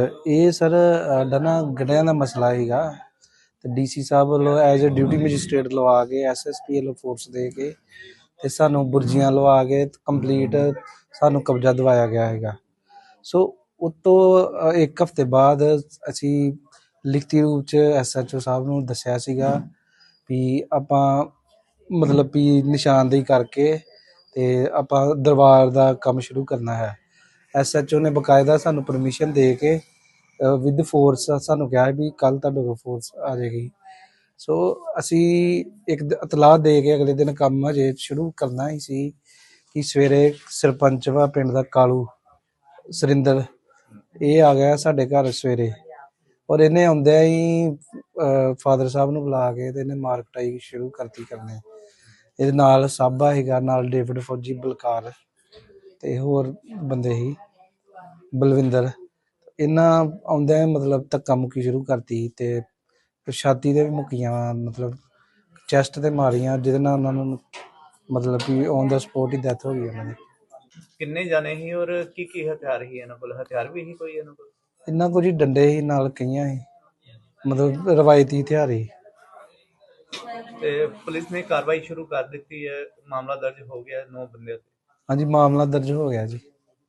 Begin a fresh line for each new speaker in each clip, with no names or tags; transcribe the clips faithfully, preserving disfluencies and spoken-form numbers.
ਇਹ ਸਰ ਸਾਡਾ ਨਾ ਗੜਿਆਂ ਦਾ ਮਸਲਾ ਸੀਗਾ ਤੇ ਡੀਸੀ ਸਾਹਿਬ ਵੱਲੋਂ ਐਜ਼ ਅ ਡਿਊਟੀ ਮੈਜਿਸਟ੍ਰੇਟ ਲਵਾ ਕੇ ਐਸਐਸਪੀ ਵੱਲੋਂ ਫੋਰਸ ਦੇ ਕੇ ਤੇ ਸਾਨੂੰ ਬੁਰਜੀਆਂ ਲਵਾ ਕੇ ਕੰਪਲੀਟ ਸਾਨੂੰ ਕਬਜ਼ਾ ਦਿਵਾਇਆ ਗਿਆ ਹੈਗਾ। ਸੋ ਉਤੋਂ ਇੱਕ ਹਫ਼ਤੇ ਬਾਅਦ ਅਸੀਂ ਲਿਖਤੀ ਰੂਪ 'ਚ ਐਸਐਚਓ ਸਾਹਿਬ ਨੂੰ ਦੱਸਿਆ ਸੀਗਾ ਵੀ ਆਪਾਂ ਮਤਲਬ ਵੀ ਨਿਸ਼ਾਨਦੇਹੀ ਕਰਕੇ ਤੇ ਆਪਾਂ ਦਰਬਾਰ ਦਾ ਕੰਮ ਸ਼ੁਰੂ ਕਰਨਾ ਹੈ। ਐਸਐਚਓ ਨੇ ਬਕਾਇਦਾ ਸਾਨੂੰ ਪਰਮਿਸ਼ਨ ਦੇ ਕੇ ਵਿਦ ਫੋਰਸ ਸਾਨੂੰ ਕਿਹਾ ਵੀ ਕੱਲ੍ਹ ਤੁਹਾਡੇ ਕੋਲ ਫੋਰਸ ਆ ਜਾਏਗੀ। ਸੋ ਅਸੀਂ ਇੱਕ ਇਤਲਾਹ ਦੇ ਕੇ ਅਗਲੇ ਦਿਨ ਕੰਮ ਹਜੇ ਸ਼ੁਰੂ ਕਰਨਾ ਹੀ ਸੀ ਕਿ ਸਵੇਰੇ ਸਰਪੰਚ ਵਾ ਪਿੰਡ ਦਾ ਕਾਲੂ ਸੁਰਿੰਦਰ ਇਹ ਆ ਗਿਆ ਸਾਡੇ ਘਰ ਸਵੇਰੇ ਔਰ ਇਹਨੇ ਆਉਂਦਿਆਂ ਹੀ ਫਾਦਰ ਸਾਹਿਬ ਨੂੰ ਬੁਲਾ ਕੇ ਤੇ ਇਹਨੇ ਮਾਰ ਕੁਟਾਈ ਸ਼ੁਰੂ ਕਰਤੀ ਕਰਨੇ। ਇਹਦੇ ਨਾਲ ਸਾਬਾ ਸੀਗਾ, ਨਾਲ ਡੇਵਿਡ ਫੌਜੀ, ਬਲਕਾਰ ਤੇ ਹੋਰ ਬੰਦੇ ਸੀ, ਬਲਵਿੰਦਰ। ਇਹਨਾਂ ਆਉਂਦਿਆਂ ਮਤਲਬ ਧੱਕਾ ਮੁੱਕੀ ਸ਼ੁਰੂ ਕਰਤੀ ਤੇ ਛਾਤੀ ਤੇ ਵੀ ਮੁੱਕੀਆਂ, ਮਤਲਬ ਚੈਸਟ ਤੇ ਮਾਰੀਆਂ, ਜਿਹਦੇ ਨਾਲ ਉਹਨਾਂ ਨੂੰ ਮਤਲਬ ਕਿ ਔਨ ਦਾ ਸਪੋਟ ਹੀ ਡੈਥ ਹੋ ਗਈ ਉਹਨਾਂ ਦੀ।
ਕਿੰਨੇ ਜਾਣੇ ਸੀ ਔਰ ਕੀ ਕੀ ਹਥਿਆਰ ਸੀ ਇਹਨਾਂ ਕੋਲ? ਹਥਿਆਰ ਵੀ ਸੀ ਕੋਈ ਇਹਨਾਂ ਕੋਲ?
ਇਹਨਾਂ ਕੋਲ ਜੀ ਡੰਡੇ ਸੀ, ਨਾਲ ਕਈਆਂ ਸੀ, ਮਤਲਬ ਰਵਾਇਤੀ ਹਥਿਆਰ ਸੀ।
ਤੇ ਪੁਲਿਸ ਨੇ ਕਾਰਵਾਈ ਸ਼ੁਰੂ ਕਰ ਦਿੱਤੀ ਹੈ, ਮਾਮਲਾ ਦਰਜ ਹੋ ਗਿਆ ਨੌ ਬੰਦਿਆਂ ਤੇ?
ਹਾਂਜੀ, ਮਾਮਲਾ ਦਰਜ ਹੋ ਗਿਆ ਜੀ।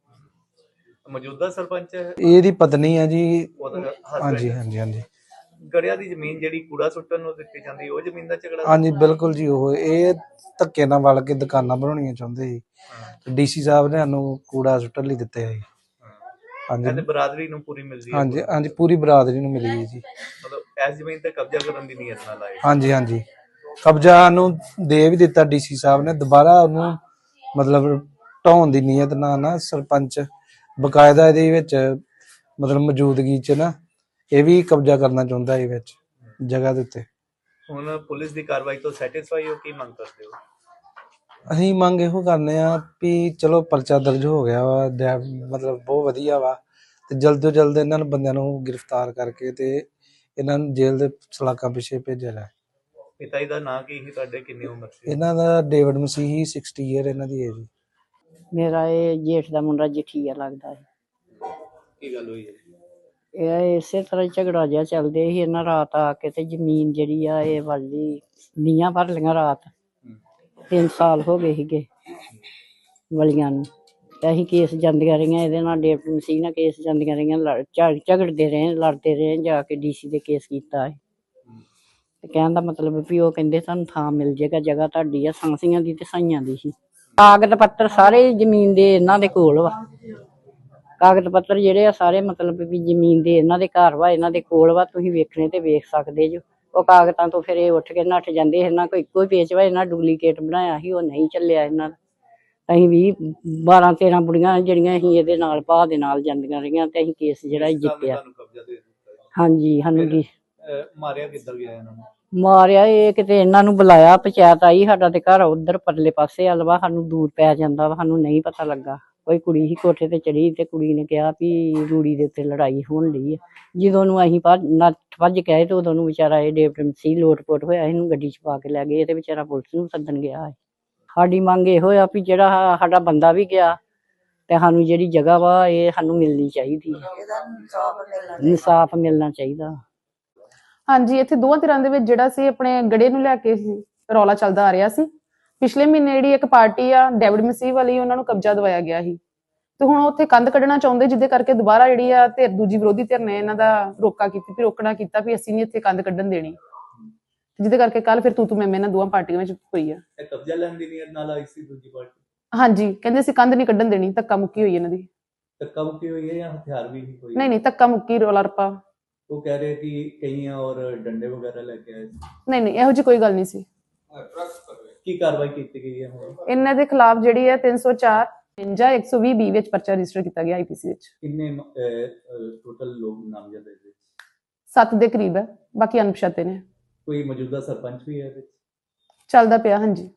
ਮੌਜੂਦਾ ਸਰਪੰਚ ਹੈ,
ਇਹਦੀ ਪਤਨੀ ਹੈ ਜੀ।
ਹਾਂਜੀ
ਹਾਂਜੀ ਹਾਂਜੀ।
ਗੜਿਆਂ ਦੀ ਜ਼ਮੀਨ ਜਿਹੜੀ ਕੂੜਾ ਸੁੱਟਣ ਨੂੰ ਦਿੱਤੀ ਜਾਂਦੀ, ਉਹ ਜ਼ਮੀਨ ਦਾ ਝਗੜਾ?
ਹਾਂਜੀ ਬਿਲਕੁਲ ਜੀ। ਉਹ ਇਹ ਧੱਕੇ ਨਾਲ ਵਲ ਕੇ ਦੁਕਾਨਾਂ ਬਣਾਉਣੀਆਂ ਚਾਹੁੰਦੇ ਸੀ। ਡੀਸੀ ਸਾਹਿਬ ਨੇ ਸਾਨੂੰ ਕੂੜਾ ਸੁੱਟਣ ਲਈ ਦਿੱਤੇ ਸੀ।
ਹਾਂਜੀ, ਬਰਾਦਰੀ ਨੂੰ ਪੂਰੀ ਮਿਲਦੀ ਹੈ?
ਹਾਂਜੀ ਹਾਂਜੀ, ਪੂਰੀ ਬਰਾਦਰੀ ਨੂੰ ਮਿਲੀ ਜੀ।
ਮਤਲਬ ਇਸ ਜ਼ਮੀਨ ਤੇ ਕਬਜ਼ਾ ਕਰਨ ਦੀ ਨੀਅਤ ਨਾਲ ਆਏ? ਹਾਂਜੀ
ਹਾਂਜੀ, ਕਬਜ਼ਾ ਨੂੰ ਦੇ ਵੀ ਦਿੱਤਾ ਡੀਸੀ ਸਾਹਿਬ ਨੇ, ਦੁਬਾਰਾ ਉਹਨੂੰ ਮਤਲਬ ਢਾਉਣ ਦੀ ਨੀਅਤ ਨਾਲ ਨਾ ਸਰਪੰਚ ਬਕਾਇਦਾ ਇਹਦੇ ਵਿੱਚ ਮਤਲਬ ਮੌਜੂਦਗੀ 'ਚ ਨਾ ਇਹ ਵੀ ਕਬਜ਼ਾ ਕਰਨਾ ਚਾਹੁੰਦਾ ਇਹ ਵਿੱਚ ਜਗ੍ਹਾ ਦੇ ਉੱਤੇ।
ਹੁਣ ਪੁਲਿਸ ਦੀ ਕਾਰਵਾਈ ਤੋਂ ਸੈਟੀਸਫਾਈ ਹੋ? ਕੀ ਮੰਗ ਕਰਦੇ ਹੋ?
ਅਸੀਂ ਮੰਗ ਇਹੋ ਕਰਨੇ ਆ ਵੀ ਚਲੋ ਪਰਚਾ ਦਰਜ ਹੋ ਗਿਆ ਵਾ, ਮਤਲਬ ਬਹੁਤ ਵਧੀਆ ਵਾ, ਤੇ ਜਲਦ ਤੋਂ ਜਲਦ ਇਹਨਾਂ ਨੂੰ ਬੰਦਿਆਂ ਨੂੰ ਗ੍ਰਿਫਤਾਰ ਕਰਕੇ ਤੇ ਇਹਨਾਂ ਨੂੰ ਜੇਲ੍ਹ ਦੇ ਸਲਾਖਾਂ ਪਿੱਛੇ ਭੇਜਿਆ ਜਾਏ।
ਪਿਤਾ ਜੀ ਦਾ ਨਾਂ ਕੀ ਸੀ ਤੁਹਾਡੇ? ਕਿੰਨੀ ਉਮਰ ਸੀ
ਇਹਨਾਂ ਦਾ? ਡੇਵਿਡ ਮਸੀਹੀ, ਸਿਕਸਟੀ ਈਅਰ ਇਹਨਾਂ ਦੀ ਏਜ।
ਮੇਰਾ ਇਹ ਜੇਠ ਦਾ ਮੁੰਡਾ ਜਠੀਆ ਲੱਗਦਾ ਹੈ।
ਕੀ ਗੱਲ ਹੋਈ ਹੈ?
ਇਹ ਇਸੇ ਤਰ੍ਹਾਂ ਝਗੜਾ ਜਿਹਾ ਚੱਲਦੇ ਸੀ। ਇਹਨਾਂ ਰਾਤ ਆ ਕੇ ਤੇ ਜ਼ਮੀਨ ਜਿਹੜੀ ਆ ਇਹ ਵਾਲੀ ਨੀਆਂ ਭਰ ਲਈਆਂ ਰਾਤ। ਤਿੰਨ ਸਾਲ ਹੋ ਗਏ ਸੀਗੇ ਵਲੀਆਂ ਨੂੰ, ਤੇ ਅਸੀਂ ਕੇਸ ਜਾਂਦੀਆਂ ਰਹੀਆਂ ਇਹਦੇ ਨਾਲ, ਡੇਵਿਡ ਮਸੀਹ ਨਾਲ ਕੇਸ ਜਾਂਦੀਆਂ ਰਹੀਆਂ, ਲੜ ਝਗੜਦੇ ਰਹੇ, ਲੜਦੇ ਰਹੇ, ਜਾ ਕੇ ਡੀਸੀ ਦੇ ਕੇਸ ਕੀਤਾ ਹੈ। ਤੇ ਕਹਿਣ ਦਾ ਮਤਲਬ ਵੀ ਉਹ ਕਹਿੰਦੇ ਤੁਹਾਨੂੰ ਥਾਂ ਮਿਲ ਜਾਏਗਾ, ਜਗ੍ਹਾ ਤੁਹਾਡੀ ਆ, ਸਾਂਸੀਆਂ ਦੀ ਤੇ ਸਾਈਆਂ ਦੀ ਸੀ। ਕਾਗਜ਼ ਪੱਤਰ ਸਾਰੇ ਜ਼ਮੀਨ ਦੇ ਇਹਨਾਂ ਦੇ ਕੋਲ ਵਾ। ਕਾਗਜ਼ ਪੱਤਰ ਜਿਹੜੇ ਆ ਸਾਰੇ ਮਤਲਬ ਵੀ ਜ਼ਮੀਨ ਦੇ ਇਹਨਾਂ ਦੇ ਘਰ ਵਾ, ਇਹਨਾਂ ਦੇ ਕੋਲ ਵਾ। ਤੁਸੀਂ ਵੇਖਣੇ ਤੇ ਵੇਖ ਸਕਦੇ ਜੋ। ਉਹ ਕਾਗਜ਼ਾਂ ਤੋਂ ਫਿਰ ਇਹ ਉੱਠ ਕੇ ਨੱਠ ਜਾਂਦੇ। ਇਹਨਾਂ ਕੋਈ ਇੱਕੋ ਹੀ ਪੇਚ ਵਾ, ਇਹਨਾਂ ਡੁਪਲੀਕੇਟ ਬਣਾਇਆ ਸੀ, ਉਹ ਨਹੀਂ ਚੱਲਿਆ ਇਹਨਾਂ ਦਾ। ਅਸੀਂ ਵੀ ਬਾਰਾਂ ਤੇਰਾਂ ਬੁੜੀਆਂ ਜਿਹੜੀਆਂ ਅਸੀਂ ਇਹਦੇ ਨਾਲ ਭਾਅ ਦੇ ਨਾਲ ਜਾਂਦੀਆਂ ਰਹੀਆਂ ਤੇ ਅਸੀਂ ਕੇਸ ਜਿਹੜਾ ਜਿੱਤਿਆ। ਹਾਂਜੀ, ਸਾਨੂੰ ਜੀ
ਮਾਰਿਆ ਕਿੱਧਰ ਗਿਆ ਇਹਨਾਂ ਨੂੰ?
ਮਾਰਿਆ ਇਹ ਕਿਤੇ ਇਹਨਾਂ ਨੂੰ ਬੁਲਾਇਆ, ਪੰਚਾਇਤ ਆਈ, ਸਾਡਾ ਤੇ ਘਰ ਉਧਰ ਪਰਲੇ ਪਾਸੇ ਵੱਲ ਵਾ, ਸਾਨੂੰ ਦੂਰ ਪੈ ਜਾਂਦਾ ਵਾ, ਸਾਨੂੰ ਨਹੀਂ ਪਤਾ ਲੱਗਾ। ਕੋਈ ਕੁੜੀ ਹੀ ਕੋਠੇ ਤੇ ਚੜੀ ਤੇ ਕੁੜੀ ਨੇ ਕਿਹਾ ਵੀ ਰੂੜੀ ਦੇ ਉੱਤੇ ਲੜਾਈ ਹੋਣ ਲਈ ਹੈ। ਜਦੋਂ ਨੂੰ ਅਸੀਂ ਭੱਜ ਨੱਠ ਭੱਜ ਕੇ ਆਏ ਤੇ ਉਦੋਂ ਨੂੰ ਵਿਚਾਰਾ ਇਹ ਡੇਵਿਡ ਮਸੀਹ ਲੋਟ ਪੋਟ ਹੋਇਆ, ਇਹਨੂੰ ਗੱਡੀ 'ਚ ਪਾ ਕੇ ਲੈ ਗਏ ਤੇ ਵਿਚਾਰਾ ਪੁਲਿਸ ਨੂੰ ਸੱਦਣ ਗਿਆ ਹੈ। ਸਾਡੀ ਮੰਗ ਇਹੋ ਆ ਵੀ ਜਿਹੜਾ ਸਾਡਾ ਬੰਦਾ ਵੀ ਗਿਆ ਤੇ ਸਾਨੂੰ ਜਿਹੜੀ ਜਗ੍ਹਾ ਵਾ ਇਹ ਸਾਨੂੰ ਮਿਲਣੀ ਚਾਹੀਦੀ ਹੈ, ਇਨਸਾਫ ਮਿਲਣਾ ਚਾਹੀਦਾ।
ਹਾਂਜੀ, ਇੱਥੇ ਦੋਵਾਂ ਧਿਰਾਂ ਦੇ ਵਿੱਚ ਜਿਹੜਾ ਸੀ ਆਪਣੇ ਗੜੇ ਨੂੰ ਲੈ ਕੇ ਰੌਲਾ ਚੱਲਦਾ ਆ ਰਿਹਾ ਸੀ। ਪਿਛਲੇ ਮਹੀਨੇ ਜਿਹੜੀ ਇੱਕ ਪਾਰਟੀ ਆ ਡੇਵਿਡ ਮਸੀਹ ਵਾਲੀ, ਉਹਨਾਂ ਨੂੰ ਕਬਜ਼ਾ ਦਵਾਇਆ ਗਿਆ ਸੀ ਤੇ ਹੁਣ ਉੱਥੇ ਕੰਧ ਕੱਢਣਾ ਚਾਹੁੰਦੇ, ਜਿਹਦੇ ਕਰਕੇ ਦੁਬਾਰਾ ਜਿਹੜੀ ਆ ਧਿਰ ਦੂਜੀ ਵਿਰੋਧੀ ਧਿਰ ਨੇ ਇਹਨਾਂ ਦਾ ਰੋਕਾ ਕੀਤੀ ਵੀ ਰੋਕਣਾ ਕੀਤਾ ਵੀ ਅਸੀਂ ਨੀ ਇੱਥੇ ਕੰਧ ਕੱਢਣ ਦੇਣੀ, ਜਿਹਦੇ ਕਰਕੇ ਕੱਲ ਫਿਰ ਤੂੰ ਤੂੰ ਮੈਂ ਇਹਨਾਂ ਦੋਵਾਂ ਪਾਰਟੀਆਂ ਵਿੱਚ ਹੋਈ ਆ।
ਇਹ ਕਬਜ਼ਾ ਲੈਣ ਦੀ ਨੀਅਤ ਨਾਲ ਆਈ ਸੀ ਦੂਜੀ ਪਾਰਟੀ?
ਹਾਂਜੀ, ਕਹਿੰਦੇ ਅਸੀਂ ਕੰਧ ਨਹੀਂ ਕੱਢਣ ਦੇਣੀ, ਧੱਕਾ ਮੁੱਕੀ ਹੋਈ ਇਹਨਾਂ ਦੀ।
ਧੱਕਾ ਮੁੱਕੀ ਹੋਈ ਹੈ ਜਾਂ ਹਥਿਆਰ ਵੀ ਕੋਈ?
ਨਹੀਂ ਨਹੀਂ, ਧੱਕਾ ਮੁੱਕੀ, ਰੌਲਾ ਰੱਪਾ।
ਉਹ ਕਹਿ ਰਹੇ ਕਿ ਕਈਆਂ ਔਰ ਡੰਡੇ ਵਗੈਰਾ ਲੈ ਕੇ ਆਏ?
ਨਹੀਂ ਨਹੀਂ, ਇਹੋ ਜਿਹੀ ਕੋਈ ਗੱਲ ਨਹੀਂ ਸੀ।
ਕੀ ਕਾਰਵਾਈ ਕੀਤੀ ਗਈ ਹੈ ਹੁਣ
ਇਹਨਾਂ ਦੇ ਖਿਲਾਫ? ਜਿਹੜੀ ਹੈ ਤਿੰਨ ਸੌ ਚਾਰ ਜਾਂ ਇੱਕ ਸੌ ਵੀਹ ਬੀ ਵਿੱਚ ਪਰਚਾ ਰਜਿਸਟਰ ਕੀਤਾ ਗਿਆ ਆਈਪੀਸੀ ਵਿੱਚ।
ਕਿੰਨੇ ਟੋਟਲ ਲੋਕ ਨਾਮਜ਼ਦ ਹੈ?
ਸੱਤ ਦੇ ਕਰੀਬ ਹੈ, ਬਾਕੀ ਅਣਪਛਾਤੇ ਨੇ।
ਕੋਈ ਮੌਜੂਦਾ ਸਰਪੰਚ ਵੀ ਹੈ ਇਹਦੇ ਵਿੱਚ?
ਚੱਲਦਾ ਪਿਆ। ਹਾਂਜੀ।